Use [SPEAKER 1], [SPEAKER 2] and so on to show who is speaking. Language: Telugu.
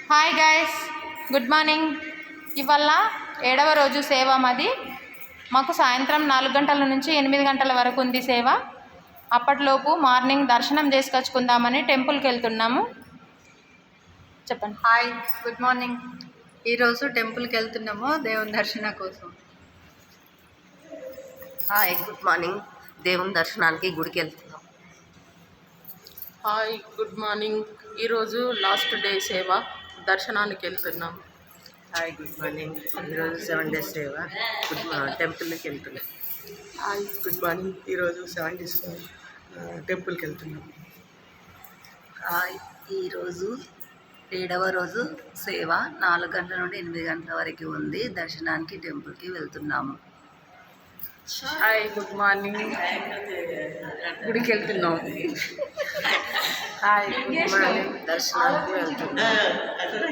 [SPEAKER 1] Hi guys, good morning. ఇవాళ 7వ రోజు సేవ మాది. మాకు సాయంత్రం 4 గంటల నుంచి 8 గంటల వరకు ఉంది సేవ. అప్పటిలోపు మార్నింగ్ దర్శనం చేసుకొచ్చుకుందామని టెంపుల్కి వెళ్తున్నాము. చెప్పండి.
[SPEAKER 2] Hi, good morning. ఈరోజు టెంపుల్కి వెళ్తున్నాము దేవుని దర్శనం కోసం.
[SPEAKER 3] Hi, good morning. దేవుని దర్శనానికి గుడికి వెళ్తున్నాం.
[SPEAKER 4] Hi, good morning. ఈరోజు లాస్ట్ డే సేవ, దర్శనానికి వెళ్తున్నాం.
[SPEAKER 3] Hi, good morning. ఈరోజు 7 days సేవ, టెంపుల్కి వెళ్తున్నాం.
[SPEAKER 5] Hi, good morning. ఈరోజు 7 days టెంపుల్కి వెళ్తున్నాం.
[SPEAKER 6] హాయ్, ఈరోజు 7వ రోజు సేవ 4 గంటల నుండి 8 గంటల వరకు ఉంది. దర్శనానికి టెంపుల్కి వెళ్తున్నాము.
[SPEAKER 4] Hi, good morning. గుడికి వెళ్తున్నాం.
[SPEAKER 3] Hi, good morning. దర్శనానికి వెళ్తున్నాం.